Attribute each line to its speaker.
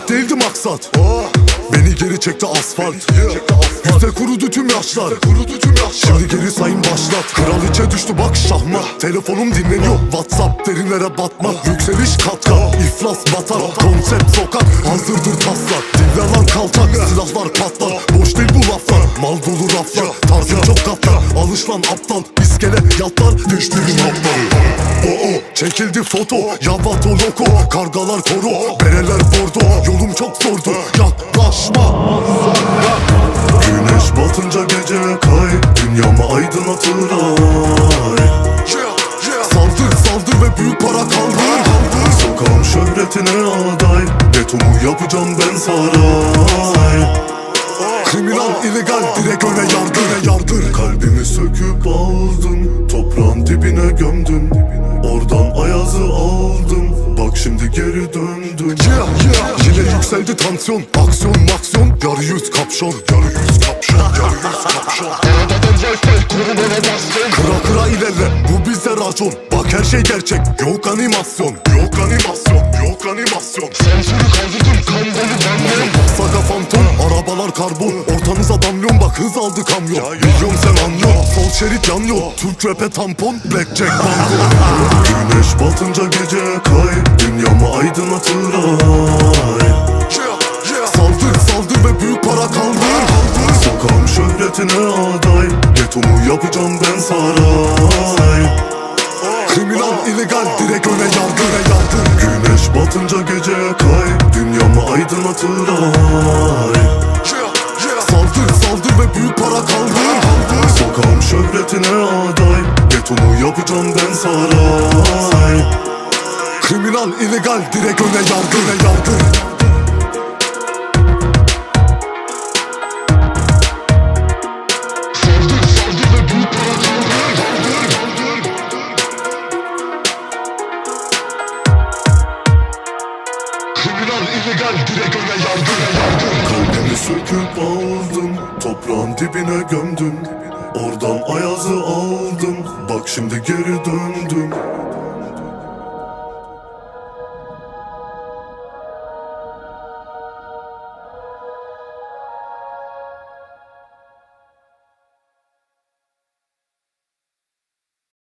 Speaker 1: Aşk değildi maksat, beni geri çekti asfalt. Yüzde kurudu tüm yaşlar, şimdi geri sayım başlat. Kraliçe düştü bak şahmat, telefonum dinleniyor. WhatsApp derinlere batma, yükseliş kat kat. İflas batar, konsept sokak, hazırdır taslar. Dillalar kaltak, silahlar patlar. Boş değil bu laflar, mal dolu raflar. Tarzın çok katlar, alış lan aptal. İskele yatlar, düştüğün hapları. Çekildi foto, yavato loko. Kargalar koro, bereler bordo. Yolum çok zordu, yaklaşma. Güneş batınca gece kay, dünyamı aydınlatır ay. Saldır saldır ve büyük para kaldır. Sokağım şöhretine aday, betonu yapacağım ben saray. Kriminal, illegal, direkt öne yardır. Kalbimi söküp aldın, toprağın dibine gömdün. Oradan ayazı aldım, bak şimdi geri döndüm. Yine yükseldi tansiyon, aksiyon maksiyon. Yarı yüz kapşon, Kıra kıra ilerle, bu bizde racon. Bak her şey gerçek, yok animasyon.
Speaker 2: Sensörü kaldırdım, kan dolu bamyon.
Speaker 1: Saga fantom, arabalar karbon. Ortanıza damlyon bak, hız aldı kamyon. Milyon sen anlıyor, sol şerit yanıyor. Türk rap'e tampon, blackjack banko. Güneş batınca gece kay, dünyamı aydınlatır ay. Saldır ve büyük para kaldır. Sokağım şöhretine aday, getomu yapacağım ben saray. Kriminal, illegal, direkt öne yardır. Güneş batınca gece kay, dünyamı aydınlatır ay. Saldır ve büyük para kaldır. Sokağım şöhretine aday, getomu yapacağım ben saray. Kriminal, illegal, direkt öne yardır.
Speaker 2: Kriminal, illegal, direkt öne yardır.
Speaker 1: Kalbimi söküp aldım, toprağın dibine gömdüm. Oradan ayazı aldım, bak şimdi geri döndüm.